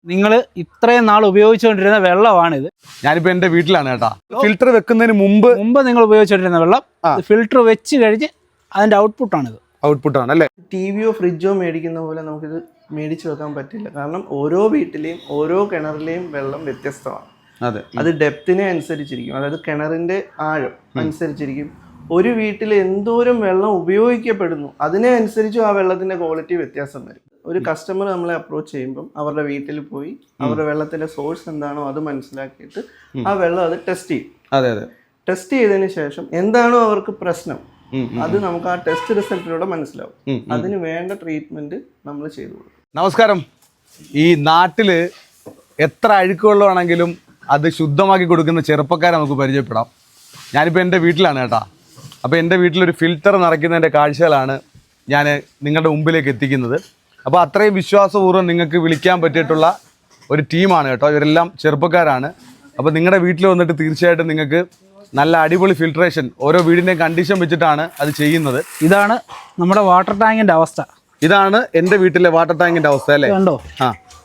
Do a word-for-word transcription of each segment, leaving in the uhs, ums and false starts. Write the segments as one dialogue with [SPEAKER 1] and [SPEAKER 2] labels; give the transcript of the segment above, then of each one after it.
[SPEAKER 1] നിങ്ങൾ ഇത്രയും നാൾ ഉപയോഗിച്ചുകൊണ്ടിരുന്ന വെള്ളമാണിത്.
[SPEAKER 2] ഞാനിപ്പോൾ എൻ്റെ വീട്ടിലാണ് കേട്ടോ. ഫിൽറ്റർ വെക്കുന്നതിന് മുമ്പ്
[SPEAKER 1] മുമ്പ് നിങ്ങൾ ഉപയോഗിച്ചുകൊണ്ടിരുന്ന വെള്ളം ഫിൽറ്റർ വെച്ച് കഴിഞ്ഞ് അതിൻ്റെ ഔട്ട്പുട്ടാണിത്.
[SPEAKER 2] ഔട്ട്പുട്ടാണ് അല്ലേ?
[SPEAKER 3] ടി വിയോ ഫ്രിഡ്ജോ മേടിക്കുന്ന പോലെ നമുക്കിത് മേടിച്ച് വെക്കാൻ പറ്റില്ല. കാരണം ഓരോ വീട്ടിലെയും ഓരോ കിണറിലെയും വെള്ളം വ്യത്യസ്തമാണ്.
[SPEAKER 2] അതെ,
[SPEAKER 3] അത് ഡെപ്തിനെ അനുസരിച്ചിരിക്കും, അതായത് കിണറിൻ്റെ ആഴം അനുസരിച്ചിരിക്കും. ഒരു വീട്ടിൽ എന്തോരം വെള്ളം ഉപയോഗിക്കപ്പെടുന്നു അതിനെ അനുസരിച്ചും ആ വെള്ളത്തിൻ്റെ ക്വാളിറ്റി വ്യത്യാസം വരും. ഒരു കസ്റ്റമർ നമ്മളെ അപ്രോച്ച് ചെയ്യുമ്പം അവരുടെ വീട്ടിൽ പോയി അവരുടെ വെള്ളത്തിൻ്റെ സോഴ്സ് എന്താണോ അത് മനസ്സിലാക്കിയിട്ട് ആ വെള്ളം അത് ടെസ്റ്റ് ചെയ്യും.
[SPEAKER 2] അതെ അതെ
[SPEAKER 3] ടെസ്റ്റ് ചെയ്തതിന് ശേഷം എന്താണോ അവർക്ക് പ്രശ്നം അത് നമുക്ക് ആ ടെസ്റ്റ് റിസൾട്ടിലൂടെ മനസ്സിലാവും. അതിന് വേണ്ട ട്രീറ്റ്മെന്റ് നമ്മൾ ചെയ്തു കൊടുക്കും.
[SPEAKER 2] നമസ്കാരം. ഈ നാട്ടില് എത്ര അഴുക്ക് വെള്ളമാണെങ്കിലും അത് ശുദ്ധമാക്കി കൊടുക്കുന്ന ചെറുപ്പക്കാരെ നമുക്ക് പരിചയപ്പെടാം. ഞാനിപ്പോൾ എൻ്റെ വീട്ടിലാണ് കേട്ടോ. അപ്പോൾ എൻ്റെ വീട്ടിലൊരു ഫിൽറ്റർ നിറയ്ക്കുന്നതിൻ്റെ കാഴ്ചകളാണ് ഞാൻ നിങ്ങളുടെ മുമ്പിലേക്ക് എത്തിക്കുന്നത്. അപ്പോൾ അത്രയും വിശ്വാസപൂർവ്വം നിങ്ങൾക്ക് വിളിക്കാൻ പറ്റിയിട്ടുള്ള ഒരു ടീമാണ് കേട്ടോ. ഇവരെല്ലാം ചെറുപ്പക്കാരാണ്. അപ്പോൾ നിങ്ങളുടെ വീട്ടിൽ വന്നിട്ട് തീർച്ചയായിട്ടും നിങ്ങൾക്ക് നല്ല അടിപൊളി ഫിൽട്രേഷൻ ഓരോ വീടിൻ്റെയും കണ്ടീഷൻ വെച്ചിട്ടാണ് അത് ചെയ്യുന്നത്.
[SPEAKER 1] ഇതാണ് നമ്മുടെ വാട്ടർ ടാങ്കിൻ്റെ അവസ്ഥ.
[SPEAKER 2] ഇതാണ് എൻ്റെ വീട്ടിലെ വാട്ടർ ടാങ്കിൻ്റെ അവസ്ഥ അല്ലേ?
[SPEAKER 1] കണ്ടോ?
[SPEAKER 2] ആ,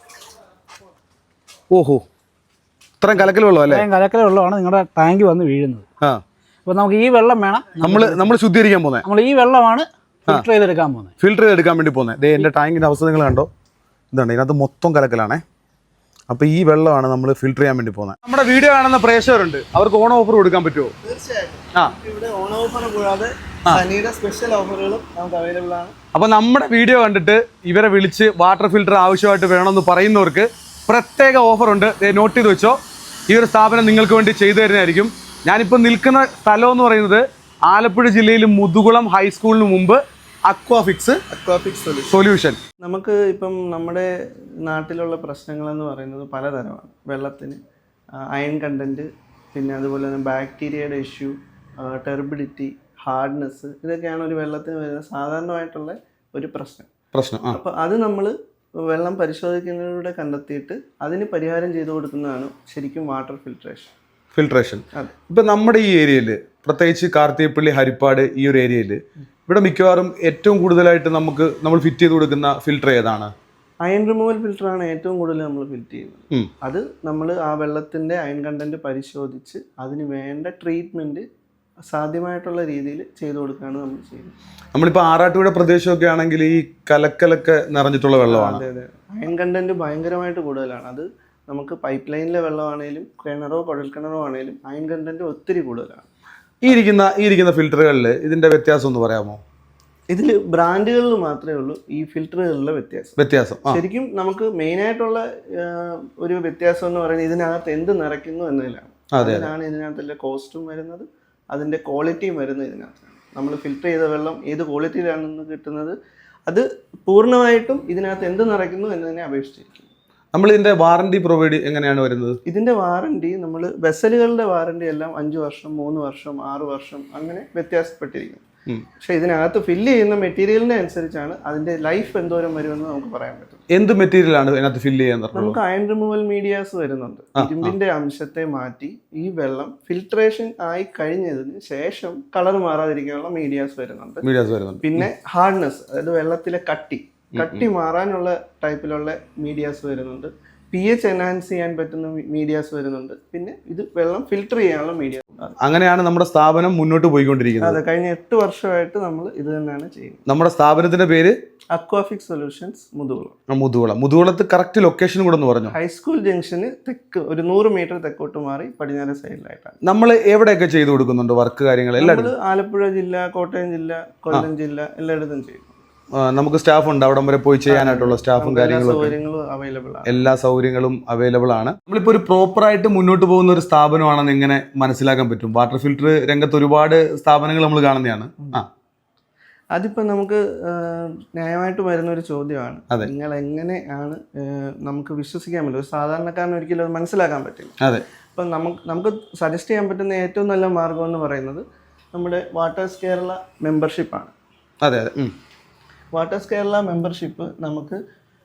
[SPEAKER 2] ഓഹോ, ഇത്രയും കലക്കൽ വെള്ളം അല്ലേ?
[SPEAKER 1] കലക്കൽ വെള്ളമാണ് നിങ്ങളുടെ ടാങ്ക് വന്ന് വീഴുന്നത്.
[SPEAKER 2] ആ,
[SPEAKER 1] അപ്പോൾ നമുക്ക് ഈ വെള്ളം വേണം.
[SPEAKER 2] നമ്മൾ നമ്മൾ ശുദ്ധീകരിക്കാൻ പോകുന്നത്.
[SPEAKER 1] നമ്മൾ ഈ വെള്ളമാണ് ഫിൽട്ടർ ചെയ്തെടുക്കാൻ പോകുന്നത്.
[SPEAKER 2] ഫിൽട്ടർ ചെയ്തെടുക്കാൻ വേണ്ടി പോകുന്നത്. ദേ എൻ്റെ ടാങ്കിൻ്റെ അവസ്ഥ നിങ്ങൾ കണ്ടോ? ഇതുണ്ട്, ഇതിനകത്ത് മൊത്തം കലക്കലാണേ. അപ്പോൾ ഈ വെള്ളമാണ് നമ്മൾ ഫിൽട്ടർ ചെയ്യാൻ വേണ്ടി പോകുന്നത്. നമ്മുടെ വീഡിയോ കാണുന്ന പ്രേക്ഷകരുണ്ട്, അവർക്ക് ഓൺ ഓഫർ കൊടുക്കാൻ പറ്റുമോ?
[SPEAKER 3] തീർച്ചയായിട്ടും.
[SPEAKER 2] ആ,
[SPEAKER 3] ഇവിടെ ഓൺ ഓഫർ കൂടാതെ സനിയുടെ സ്പെഷ്യൽ ഓഫറുകളും നമുക്ക് അവൈലബിൾ ആണ്.
[SPEAKER 2] അപ്പോൾ നമ്മുടെ വീഡിയോ കണ്ടിട്ട് ഇവരെ വിളിച്ച് വാട്ടർ ഫിൽട്ടർ ആവശ്യമായിട്ട് വേണമെന്ന് പറയുന്നവർക്ക് പ്രത്യേക ഓഫറുണ്ട്. നോട്ട് ചെയ്ത് വെച്ചോ. ഈ ഒരു സ്ഥാപനം നിങ്ങൾക്ക് വേണ്ടി ചെയ്തു തരുന്നതായിരിക്കും. ഞാനിപ്പോൾ നിൽക്കുന്ന സ്ഥലം എന്ന് പറയുന്നത് ആലപ്പുഴ ജില്ലയിൽ മുതുകുളം ഹൈസ്കൂളിന് മുമ്പ് അക്വാഫിക്സ്
[SPEAKER 3] അക്വാഫിക്സ്
[SPEAKER 2] സൊല്യൂഷൻ.
[SPEAKER 3] നമുക്ക് ഇപ്പം നമ്മുടെ നാട്ടിലുള്ള പ്രശ്നങ്ങളെന്ന് പറയുന്നത് പലതരമാണ്. വെള്ളത്തിന് അയൺ കണ്ടൻറ്റ്, പിന്നെ അതുപോലെ തന്നെ ബാക്ടീരിയയുടെ ഇഷ്യൂ, ടെർബിഡിറ്റി, ഹാർഡ്നെസ്, ഇതൊക്കെയാണ് ഒരു വെള്ളത്തിന് വരുന്ന സാധാരണമായിട്ടുള്ള ഒരു പ്രശ്നം
[SPEAKER 2] പ്രശ്നം
[SPEAKER 3] അപ്പോൾ അത് നമ്മൾ വെള്ളം പരിശോധിക്കുന്നതിലൂടെ കണ്ടെത്തിയിട്ട് അതിന് പരിഹാരം ചെയ്തു കൊടുക്കുന്നതാണ് ശരിക്കും വാട്ടർ ഫിൽട്രേഷൻ.
[SPEAKER 2] ഫിൽട്രേഷൻ ഇപ്പം നമ്മുടെ ഈ ഏരിയയിൽ, പ്രത്യേകിച്ച് കാർത്തികപ്പള്ളി, ഹരിപ്പാട്, ഈ ഒരു ഏരിയയിൽ ഇവിടെ മിക്കവാറും ഏറ്റവും കൂടുതലായിട്ട് നമുക്ക് നമ്മൾ ഫിറ്റ് ചെയ്ത് കൊടുക്കുന്ന ഫിൽട്ടർ ഏതാണ്?
[SPEAKER 3] അയൺ റിമൂവൽ ഫിൽറ്ററാണ് ഏറ്റവും കൂടുതൽ നമ്മൾ ഫിറ്റ് ചെയ്യുന്നത്. അത് നമ്മൾ ആ വെള്ളത്തിൻ്റെ അയൺ കണ്ടന്റ് പരിശോധിച്ച് അതിന് വേണ്ട ട്രീറ്റ്മെൻറ്റ് സാധ്യമായിട്ടുള്ള രീതിയിൽ ചെയ്തു കൊടുക്കുകയാണ് നമ്മൾ ചെയ്യുന്നത്.
[SPEAKER 2] നമ്മളിപ്പോൾ ആറാട്ടുപുഴ പ്രദേശമൊക്കെ ആണെങ്കിൽ ഈ കലക്കലൊക്കെ നിറഞ്ഞിട്ടുള്ള വെള്ളമാണ്.
[SPEAKER 3] അതെ അതെ അയൺ കണ്ടന്റ് ഭയങ്കരമായിട്ട് കൂടുതലാണ്. അത് നമുക്ക് പൈപ്പ് ലൈനിലെ വെള്ളമാണേലും കിണറോ കുഴൽക്കിണറോ ആണേലും അയൺ കണ്ടന്റ് ഒത്തിരി കൂടുതലാണ്.
[SPEAKER 2] ഈ ഇരിക്കുന്ന ഈ ഇരിക്കുന്ന ഫിൽറ്ററുകളിൽ ഇതിൻ്റെ വ്യത്യാസം ഒന്ന് പറയാമോ?
[SPEAKER 3] ഇതിൽ ബ്രാൻഡുകളിൽ മാത്രമേ ഉള്ളൂ ഈ ഫിൽറ്ററുകളിലെ വ്യത്യാസം.
[SPEAKER 2] വ്യത്യാസം
[SPEAKER 3] ശരിക്കും നമുക്ക് മെയിനായിട്ടുള്ള ഒരു വ്യത്യാസം എന്ന് പറയുന്നത് ഇതിനകത്ത് എന്ത് നിറയ്ക്കുന്നു എന്നതിലാണ്. അതിനാണ് ഇതിനകത്തുള്ള കോസ്റ്റും വരുന്നത്, അതിൻ്റെ ക്വാളിറ്റിയും വരുന്നത് ഇതിനകത്താണ്. നമ്മൾ ഫിൽറ്റർ ചെയ്ത വെള്ളം ഏത് ക്വാളിറ്റിയിലാണെന്ന് കിട്ടുന്നത് അത് പൂർണ്ണമായിട്ടും ഇതിനകത്ത് എന്ത് നിറയ്ക്കുന്നു എന്നതിനെ അപേക്ഷിച്ചിരിക്കും.
[SPEAKER 2] നമ്മൾ ഇതിൻ്റെ വാറണ്ടി പ്രൊവൈഡ് എങ്ങനെയാണ് വരുന്നത്?
[SPEAKER 3] ഇതിൻ്റെ വാറണ്ടി നമ്മൾ വെസലുകളുടെ വാറണ്ടി എല്ലാം അഞ്ച് വർഷം, മൂന്ന് വർഷം, ആറ് വർഷം അങ്ങനെ വ്യത്യാസപ്പെട്ടിരിക്കും. പക്ഷെ ഇതിനകത്ത് ഫില്ല് ചെയ്യുന്ന മെറ്റീരിയലിനെ അനുസരിച്ചാണ് അതിന്റെ ലൈഫ് എന്തോരം വരുമെന്ന് നമുക്ക് പറയാൻ പറ്റും.
[SPEAKER 2] എന്ത് മെറ്റീരിയലാണ് ഇതിനകത്ത് ഫില്ല് ചെയ്യാൻ?
[SPEAKER 3] നമുക്ക് അയൺ റിമൂവൽ മീഡിയാസ് വരുന്നുണ്ട്. ഇരുമ്പിന്റെ അംശത്തെ മാറ്റി ഈ വെള്ളം ഫിൽട്രേഷൻ ആയി കഴിഞ്ഞതിന് ശേഷം കളർ മാറാതിരിക്കാനുള്ള മീഡിയാസ് വരുന്നുണ്ട്.
[SPEAKER 2] മീഡിയാസ് വരുന്നുണ്ട്.
[SPEAKER 3] പിന്നെ ഹാർഡ്നെസ്, അതായത് വെള്ളത്തിലെ കട്ടി കട്ടി മാറാനുള്ള ടൈപ്പിലുള്ള മീഡിയാസ് വരുന്നുണ്ട്. പി എച്ച് എൻഹാൻസ് ചെയ്യാൻ പറ്റുന്ന മീഡിയാസ് വരുന്നുണ്ട്. പിന്നെ ഇത് വെള്ളം ഫിൽട്ടർ ചെയ്യാനുള്ള മീഡിയ.
[SPEAKER 2] അങ്ങനെയാണ് നമ്മുടെ സ്ഥാപനം മുന്നോട്ട് പോയിക്കൊണ്ടിരിക്കുന്നത്.
[SPEAKER 3] അതെ, കഴിഞ്ഞ എട്ട് വർഷമായിട്ട് നമ്മൾ ഇത് തന്നെയാണ് ചെയ്യുന്നത്.
[SPEAKER 2] നമ്മുടെ സ്ഥാപനത്തിന്റെ പേര്
[SPEAKER 3] അക്വാഫിക്സ് സൊല്യൂഷൻസ് മുതുകുളം.
[SPEAKER 2] മുതുകുളം മുതുകുളത്ത് കറക്റ്റ് ലൊക്കേഷൻ കൂടെ ഒന്ന് പറഞ്ഞു.
[SPEAKER 3] ഹൈസ്കൂൾ ജംഗ്ഷന് തെക്ക് ഒരു നൂറ് മീറ്റർ തെക്കോട്ട് മാറി പടിഞ്ഞാറ് സൈഡിലായിട്ടാണ്.
[SPEAKER 2] നമ്മൾ എവിടെയൊക്കെ ചെയ്തു കൊടുക്കുന്നുണ്ട് വർക്ക് കാര്യങ്ങൾ?
[SPEAKER 3] നമ്മൾ ആലപ്പുഴ ജില്ല, കോട്ടയം ജില്ല, കൊല്ലം ജില്ല എല്ലായിടത്തും ചെയ്യും.
[SPEAKER 2] നമുക്ക് സ്റ്റാഫ് ഉണ്ട്, അവിടം വരെ പോയി ചെയ്യാനായിട്ടുള്ള സ്റ്റാഫും കാര്യങ്ങളും
[SPEAKER 3] അവൈലബിൾ ആണ്.
[SPEAKER 2] എല്ലാ സൗകര്യങ്ങളും അവൈലബിൾ ആണ്. നമ്മളിപ്പോൾ ഒരു പ്രോപ്പറായിട്ട് മുന്നോട്ട് പോകുന്ന ഒരു സ്ഥാപനമാണെന്ന് എങ്ങനെ മനസ്സിലാക്കാൻ പറ്റും? വാട്ടർ ഫിൽട്ടർ രംഗത്ത് ഒരുപാട് സ്ഥാപനങ്ങൾ നമ്മൾ കാണുന്നതാണ്. ആ
[SPEAKER 3] അതിപ്പോൾ നമുക്ക് ന്യായമായിട്ട് വരുന്ന ഒരു ചോദ്യമാണ്. നിങ്ങൾ എങ്ങനെയാണ് നമുക്ക് വിശ്വസിക്കാൻ പറ്റും? ഒരു സാധാരണക്കാരന് ഒരിക്കലും അത് മനസ്സിലാക്കാൻ പറ്റില്ല.
[SPEAKER 2] അതെ.
[SPEAKER 3] അപ്പം നമുക്ക് നമുക്ക് സജസ്റ്റ് ചെയ്യാൻ പറ്റുന്ന ഏറ്റവും നല്ല മാർഗം എന്ന് പറയുന്നത് നമ്മുടെ വാട്ടേഴ്സ് കേരള മെമ്പർഷിപ്പാണ്.
[SPEAKER 2] അതെ അതെ
[SPEAKER 3] വാട്ടേഴ്സ് കേരള മെമ്പർഷിപ്പ് നമുക്ക്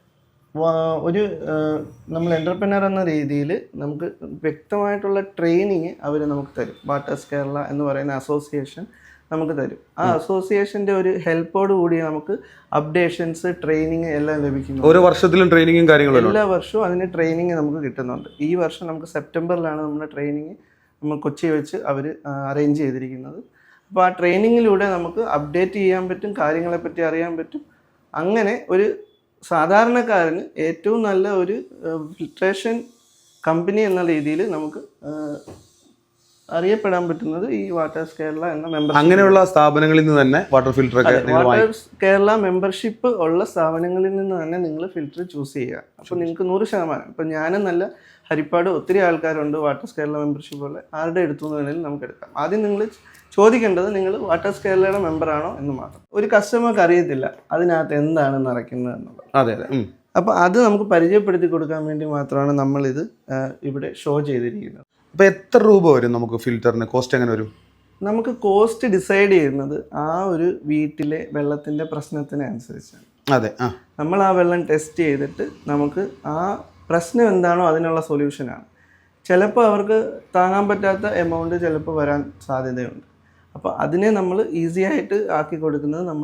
[SPEAKER 3] ഒരു നമ്മൾ എൻ്റർപ്രനർ എന്ന രീതിയിൽ നമുക്ക് വ്യക്തമായിട്ടുള്ള ട്രെയിനിങ് അവർ നമുക്ക് തരും. വാട്ടേഴ്സ് കേരള എന്ന് പറയുന്ന അസോസിയേഷൻ നമുക്ക് തരും. ആ അസോസിയേഷൻ്റെ ഒരു ഹെൽപ്പോട് കൂടി നമുക്ക് അപ്ഡേഷൻസ് ട്രെയിനിങ് എല്ലാം ലഭിക്കുന്നു.
[SPEAKER 2] ഓരോ വർഷത്തിലും ട്രെയിനിങ്ങും കാര്യങ്ങളും
[SPEAKER 3] എല്ലാ വർഷവും അതിന് ട്രെയിനിങ് നമുക്ക് കിട്ടുന്നുണ്ട്. ഈ വർഷം നമുക്ക് സെപ്റ്റംബറിലാണ് നമ്മുടെ ട്രെയിനിങ് നമ്മൾ കൊച്ചി വെച്ച് അവർ അറേഞ്ച് ചെയ്തിരിക്കുന്നത്. അപ്പോൾ ആ ട്രെയിനിങ്ങിലൂടെ നമുക്ക് അപ്ഡേറ്റ് ചെയ്യാൻ പറ്റും, കാര്യങ്ങളെപ്പറ്റി അറിയാൻ പറ്റും. അങ്ങനെ ഒരു സാധാരണക്കാരന് ഏറ്റവും നല്ല ഒരു ഫിൽട്രേഷൻ കമ്പനി എന്ന രീതിയിൽ നമുക്ക് അറിയപ്പെടാൻ പറ്റുന്നത് ഈ വാട്ടേഴ്സ് കേരള എന്ന മെമ്പർ
[SPEAKER 2] അങ്ങനെയുള്ള സ്ഥാപനങ്ങളിൽ നിന്ന് തന്നെ വാട്ടർ ഫിൽറ്റർ ഒക്കെ
[SPEAKER 3] വാട്ടേഴ്സ് കേരള മെമ്പർഷിപ്പ് ഉള്ള സ്ഥാപനങ്ങളിൽ നിന്ന് തന്നെ നിങ്ങൾ ഫിൽറ്റർ ചൂസ് ചെയ്യുക. അപ്പോൾ നിങ്ങൾക്ക് നൂറ് ശതമാനം ഇപ്പം ഞാനും നല്ല ഹരിപ്പാട് ഒത്തിരി ആൾക്കാരുണ്ട് വാട്ടേഴ്സ് കേരള മെമ്പർഷിപ്പ് ഉള്ള, ആരുടെ എടുത്തു എന്ന് വേണമെങ്കിലും നമുക്ക് എടുക്കാം. ആദ്യം നിങ്ങൾ ചോദിക്കേണ്ടത് നിങ്ങൾ വാട്ടേഴ്സ് കേരളയുടെ മെമ്പറാണോ എന്ന് മാത്രം. ഒരു കസ്റ്റമർക്ക് അറിയത്തില്ല അതിനകത്ത് എന്താണ് നിറയ്ക്കുന്നത് എന്നുള്ളത്.
[SPEAKER 2] അതെ അതെ.
[SPEAKER 3] അപ്പോൾ അത് നമുക്ക് പരിചയപ്പെടുത്തി കൊടുക്കാൻ വേണ്ടി മാത്രമാണ് നമ്മളിത് ഇവിടെ ഷോ ചെയ്തിരിക്കുന്നത്.
[SPEAKER 2] അപ്പോൾ എത്ര രൂപ വരും നമുക്ക് ഫിൽറ്ററിന്? കോസ്റ്റ് എങ്ങനെ വരും?
[SPEAKER 3] നമുക്ക് കോസ്റ്റ് ഡിസൈഡ് ചെയ്യുന്നത് ആ ഒരു വീട്ടിലെ വെള്ളത്തിൻ്റെ പ്രശ്നത്തിന് അനുസരിച്ചാണ്.
[SPEAKER 2] അതെ. ആ
[SPEAKER 3] നമ്മൾ ആ വെള്ളം ടെസ്റ്റ് ചെയ്തിട്ട് നമുക്ക് ആ പ്രശ്നം എന്താണോ അതിനുള്ള സൊല്യൂഷനാണ്. ചിലപ്പോൾ അവർക്ക് താങ്ങാൻ പറ്റാത്ത എമൗണ്ട് ചിലപ്പോൾ വരാൻ സാധ്യതയുണ്ട്. അപ്പോൾ അതിനെ നമ്മൾ ഈസി ആയിട്ട് ആക്കി കൊടുക്കുന്നത് നമ്മൾ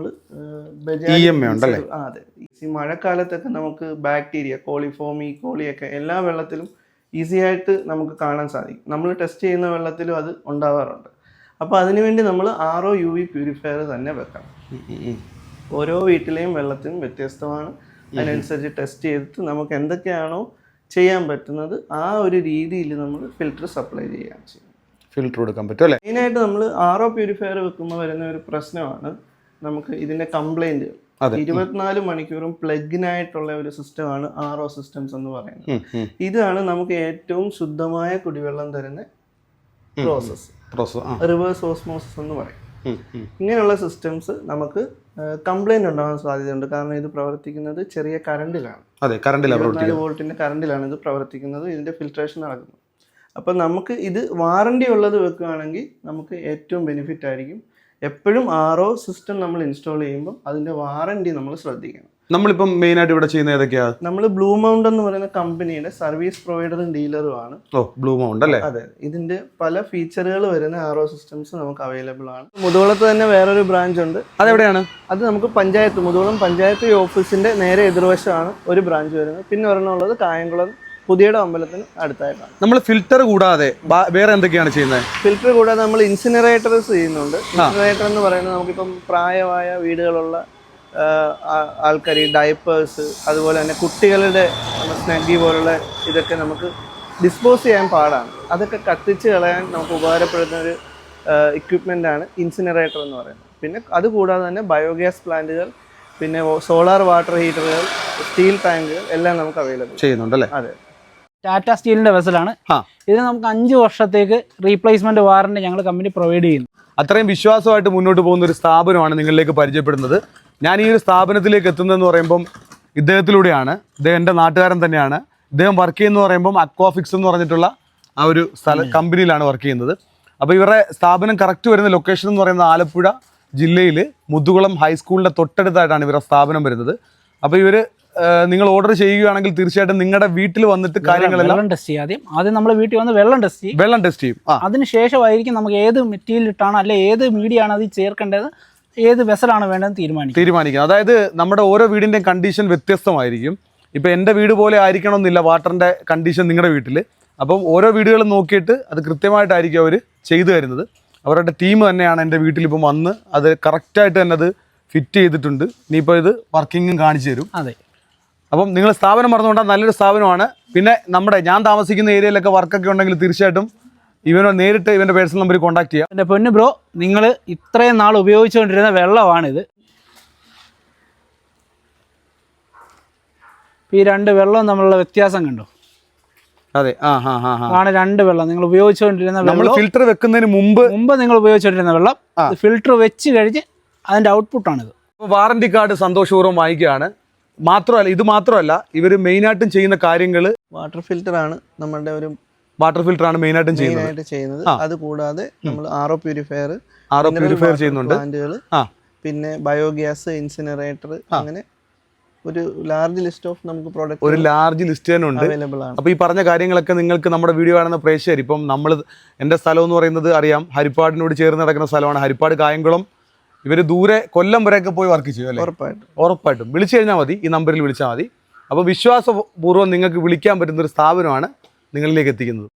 [SPEAKER 3] അതെ ഈ മഴക്കാലത്തൊക്കെ നമുക്ക് ബാക്ടീരിയ കോളിഫോം ഈ കോളിയൊക്കെ എല്ലാ വെള്ളത്തിലും ഈസി ആയിട്ട് നമുക്ക് കാണാൻ സാധിക്കും. നമ്മൾ ടെസ്റ്റ് ചെയ്യുന്ന വെള്ളത്തിലും അത് ഉണ്ടാവാറുണ്ട്. അപ്പോൾ അതിനുവേണ്ടി നമ്മൾ R O U V purifier തന്നെ വെക്കണം. ഓരോ വീട്ടിലെയും വെള്ളത്തിനും വ്യത്യസ്തമാണ്. അതിനനുസരിച്ച് ടെസ്റ്റ് ചെയ്തിട്ട് നമുക്ക് എന്തൊക്കെയാണോ ചെയ്യാൻ പറ്റുന്നത് ആ ഒരു രീതിയിൽ നമ്മൾ ഫിൽറ്റർ സപ്ലൈ ചെയ്യാൻ ചെയ്യും.
[SPEAKER 2] ഫിൽറ്റർ കൊടുക്കാൻ പറ്റും അല്ലേ?
[SPEAKER 3] മെയിനായിട്ട് നമ്മൾ ആർ ഒ പ്യൂരിഫയർ വെക്കുമ്പോൾ വരുന്ന ഒരു പ്രശ്നമാണ് നമുക്ക് ഇതിൻ്റെ കംപ്ലൈൻറ്റുകൾ. ഇരുപത്തിനാല് മണിക്കൂറും പ്ലഗിനായിട്ടുള്ള ഒരു സിസ്റ്റമാണ് ആർ ഒ സിസ്റ്റംസ് എന്ന് പറയുന്നത്. ഇതാണ് നമുക്ക് ഏറ്റവും ശുദ്ധമായ കുടിവെള്ളം തരുന്ന പ്രോസസ്സ്, റിവേഴ്സ് ഓസ്മോസിസ് എന്ന് പറയും. ഇങ്ങനെയുള്ള സിസ്റ്റംസ് നമുക്ക് കംപ്ലൈൻറ്റ് ഉണ്ടാകാൻ സാധ്യതയുണ്ട്. കാരണം ഇത് പ്രവർത്തിക്കുന്നത് ചെറിയ കറണ്ടിലാണ്. ഇരുപത്തിനാല് വോൾട്ടിൻ്റെ കറണ്ടിലാണ് ഇത് പ്രവർത്തിക്കുന്നത്, ഇതിൻ്റെ ഫിൽട്രേഷൻ നടക്കുന്നത്. അപ്പം നമുക്ക് ഇത് വാറണ്ടി ഉള്ളത് വെക്കുകയാണെങ്കിൽ നമുക്ക് ഏറ്റവും ബെനിഫിറ്റ് ആയിരിക്കും. എപ്പോഴും ആർ ഒ സിസ്റ്റം നമ്മൾ ഇൻസ്റ്റാൾ ചെയ്യുമ്പോൾ അതിൻ്റെ വാറണ്ടി നമ്മൾ ശ്രദ്ധിക്കണം.
[SPEAKER 2] നമ്മളിപ്പം മെയിനായിട്ട് ഇവിടെ ചെയ്യുന്ന ഏതൊക്കെയാണ്?
[SPEAKER 3] നമ്മൾ ബ്ലൂ മൗണ്ട് എന്ന് പറയുന്ന കമ്പനിയുടെ സർവീസ് പ്രൊവൈഡറും ഡീലറും ആണ്.
[SPEAKER 2] ഓ ബ്ലൂ മൗണ്ട് അല്ലേ?
[SPEAKER 3] അതെ. ഇതിന്റെ പല ഫീച്ചറുകൾ വരുന്ന ആർ ഒ സിസ്റ്റംസ് നമുക്ക് അവൈലബിൾ ആണ്. മുതുകുളത്ത് തന്നെ വേറൊരു ബ്രാഞ്ച് ഉണ്ട്.
[SPEAKER 2] അതെവിടെയാണ്?
[SPEAKER 3] അത് നമുക്ക് പഞ്ചായത്ത് മുതുകുളം പഞ്ചായത്ത് ഓഫീസിന്റെ നേരെ എതിർവശമാണ് ഒരു ബ്രാഞ്ച് വരുന്നത്. പിന്നെ ഒരെണ്ണം ഉള്ളത് കായംകുളം പുതിയുടെ അമ്പലത്തിന് അടുത്തായിട്ടാണ്.
[SPEAKER 2] നമ്മൾ ഫിൽറ്റർ കൂടാതെ വേറെ എന്തൊക്കെയാണ് ചെയ്യുന്നത്?
[SPEAKER 3] ഫിൽറ്റർ കൂടാതെ നമ്മൾ ഇൻസിനറേറ്റർസ് ചെയ്യുന്നുണ്ട്. ഇൻസിനറേറ്റർ എന്ന് പറയുന്നത് നമുക്കിപ്പം പ്രായമായ വീടുകളുള്ള ആൾക്കാർ ഡയപ്പേഴ്സ് അതുപോലെ തന്നെ കുട്ടികളുടെ സ്നഗ്ഗി പോലുള്ള ഇതൊക്കെ നമുക്ക് ഡിസ്പോസ് ചെയ്യാൻ പാടാണ്. അതൊക്കെ കത്തിച്ച് കളയാൻ നമുക്ക് ഉപകാരപ്പെടുന്ന ഒരു ഇക്വിപ്മെൻ്റാണ് ഇൻസിനറേറ്റർ എന്ന് പറയുന്നത്. പിന്നെ അതുകൂടാതെ തന്നെ ബയോഗ്യാസ് പ്ലാന്റുകൾ, പിന്നെ സോളാർ വാട്ടർ ഹീറ്ററുകൾ, സ്റ്റീൽ ടാങ്കുകൾ എല്ലാം നമുക്ക് അവൈലബിൾ
[SPEAKER 2] ചെയ്യുന്നുണ്ടല്ലേ?
[SPEAKER 3] അതെ.
[SPEAKER 1] ടാറ്റ സ്റ്റീലിന്റെ വെസലാണ്. ഇതിന് നമുക്ക് അഞ്ച് വർഷത്തേക്ക് റീപ്ലേസ്മെന്റ് വാറണ്ടി ഞങ്ങൾ കമ്പനി പ്രൊവൈഡ് ചെയ്യുന്നു.
[SPEAKER 2] അത്രയും വിശ്വാസമായിട്ട് മുന്നോട്ട് പോകുന്ന ഒരു സ്ഥാപനമാണ് നിങ്ങളിലേക്ക് പരിചയപ്പെടുന്നത്. ഞാൻ ഈ ഒരു സ്ഥാപനത്തിലേക്ക് എത്തുന്നതെന്ന് പറയുമ്പം ഇദ്ദേഹത്തിലൂടെയാണ്. ഇദ്ദേഹം എൻ്റെ നാട്ടുകാരൻ തന്നെയാണ്. ഇദ്ദേഹം വർക്ക് ചെയ്യുന്നത് പറയുമ്പം അക്വാഫിക്സ് എന്ന് പറഞ്ഞിട്ടുള്ള ആ ഒരു സ്ഥല കമ്പനിയിലാണ് വർക്ക് ചെയ്യുന്നത്. അപ്പോൾ ഇവരുടെ സ്ഥാപനം കറക്റ്റ് വരുന്ന ലൊക്കേഷൻ എന്ന് പറയുന്നത് ആലപ്പുഴ ജില്ലയിൽ മുതുകുളം ഹൈസ്കൂളിൻ്റെ തൊട്ടടുത്തായിട്ടാണ് ഇവരുടെ സ്ഥാപനം വരുന്നത്. അപ്പോൾ ഇവർ നിങ്ങൾ ഓർഡർ ചെയ്യുകയാണെങ്കിൽ തീർച്ചയായിട്ടും നിങ്ങളുടെ വീട്ടിൽ വന്നിട്ട് കാര്യങ്ങളെല്ലാം
[SPEAKER 1] വെള്ളം ടെസ്റ്റ് ചെയ്യും. ആദ്യം ആദ്യം നമ്മൾ വീട്ടിൽ വന്ന് വെള്ളം ടെസ്റ്റ് ചെയ്യും.
[SPEAKER 2] വെള്ളം ടെസ്റ്റ് ചെയ്യും.
[SPEAKER 1] അതിനുശേഷമായിരിക്കും നമുക്ക് ഏത് മെറ്റീരിയൽ ഇട്ടാണ് അല്ലെ ഏത് മീഡിയ ആണ് അത് ചേർക്കേണ്ടത്, ഏത് വെസലാണ് വേണ്ടതെന്ന് തീരുമാനിക്കും
[SPEAKER 2] തീരുമാനിക്കുന്നത് അതായത് നമ്മുടെ ഓരോ വീടിൻ്റെയും കണ്ടീഷൻ വ്യത്യസ്തമായിരിക്കും. ഇപ്പം എൻ്റെ വീട് പോലെ ആയിരിക്കണമെന്നില്ല വാട്ടറിൻ്റെ കണ്ടീഷൻ നിങ്ങളുടെ വീട്ടിൽ. അപ്പം ഓരോ വീടുകളും നോക്കിയിട്ട് അത് കൃത്യമായിട്ടായിരിക്കും അവർ ചെയ്തു തരുന്നത്. അവരുടെ ടീം തന്നെയാണ് എൻ്റെ വീട്ടിലിപ്പം വന്ന് അത് കറക്റ്റായിട്ട് തന്നെ അത് ഫിറ്റ് ചെയ്തിട്ടുണ്ട്. ഇനിയിപ്പോൾ ഇത് വർക്കിങ്ങും കാണിച്ചു തരും.
[SPEAKER 1] അതെ.
[SPEAKER 2] അപ്പം നിങ്ങൾ സ്ഥാപനം മറന്നുകൊണ്ടാൽ നല്ലൊരു സ്ഥാപനമാണ്. പിന്നെ നമ്മുടെ ഞാൻ താമസിക്കുന്ന ഏരിയയിലൊക്കെ വർക്കൊക്കെ ഉണ്ടെങ്കിൽ തീർച്ചയായിട്ടും ഇവനോ നേരിട്ട് ഇവൻ്റെ പേഴ്സണൽ നമ്പറിൽ കോൺടാക്ട് ചെയ്യാം.
[SPEAKER 1] എൻ്റെ പൊന്നു ബ്രോ, നിങ്ങൾ ഇത്രയും നാൾ ഉപയോഗിച്ചുകൊണ്ടിരുന്ന വെള്ളമാണിത്. ഈ രണ്ട് വെള്ളവും തമ്മിലുള്ള വ്യത്യാസം കണ്ടോ?
[SPEAKER 2] അതെ. ആ ഹാ ഹാ
[SPEAKER 1] ആണ് രണ്ട് വെള്ളം നിങ്ങൾ ഉപയോഗിച്ചുകൊണ്ടിരുന്ന
[SPEAKER 2] നമ്മൾ ഫിൽറ്റർ വെക്കുന്നതിന് മുമ്പ്
[SPEAKER 1] മുമ്പ് നിങ്ങൾ ഉപയോഗിച്ചുകൊണ്ടിരുന്ന വെള്ളം ഫിൽറ്റർ വെച്ച് കഴിഞ്ഞ് അതിൻ്റെ ഔട്ട്പുട്ടാണിത്.
[SPEAKER 2] വാറണ്ടി കാർഡ് സന്തോഷപൂർവ്വം വാങ്ങിക്കുകയാണ്. മാത്രമല്ല ഇത് മാത്രമല്ല ഇവർ മെയിനായിട്ടും ചെയ്യുന്ന കാര്യങ്ങൾ
[SPEAKER 3] വാട്ടർ ഫിൽറ്റർ ആണ്. നമ്മുടെ ഒരു
[SPEAKER 2] വാട്ടർ ഫിൽറ്റർ ആണ് മെയിനായിട്ടും
[SPEAKER 3] ചെയ്യുന്നത്. അത് കൂടാതെ നമ്മൾ R O purifier
[SPEAKER 2] R O purifier ചെയ്യുന്നുണ്ട്.
[SPEAKER 3] പ്ലാന്റുകൾ, പിന്നെ ബയോഗ്യാസ്, ഇൻസിനറേറ്റർ, അങ്ങനെ ഒരു ലാർജ് ലിസ്റ്റ് ഓഫ് നമുക്ക്
[SPEAKER 2] ഒരു
[SPEAKER 3] പ്രോഡക്റ്റ്
[SPEAKER 2] ലാർജ് ലിസ്റ്റ് തന്നെ ഉണ്ട്.
[SPEAKER 3] അവൈലബിൾ ആണ്.
[SPEAKER 2] അപ്പോൾ ഈ പറഞ്ഞ കാര്യങ്ങളൊക്കെ നിങ്ങൾക്ക് നമ്മുടെ വീഡിയോ കാണുന്ന പ്രേക്ഷകർ, ഇപ്പം നമ്മൾ എൻ്റെ സ്ഥലം എന്ന് പറയുന്നത് അറിയാം, ഹരിപ്പാടിനോട് ചേർന്ന് നടക്കുന്ന സ്ഥലമാണ്. ഹരിപ്പാട് കായംകുളം ഇവർ ദൂരെ കൊല്ലം വരെയൊക്കെ പോയി വർക്ക് ചെയ്യും അല്ലേ?
[SPEAKER 3] ഉറപ്പായിട്ടും
[SPEAKER 2] ഉറപ്പായിട്ടും വിളിച്ചു കഴിഞ്ഞാൽ മതി, ഈ നമ്പറിൽ വിളിച്ചാൽ മതി. അപ്പോൾ വിശ്വാസപൂർവ്വം നിങ്ങൾക്ക് വിളിക്കാൻ പറ്റുന്ന ഒരു സ്ഥാപനമാണ് നിങ്ങളിലേക്ക് എത്തിക്കുന്നത്.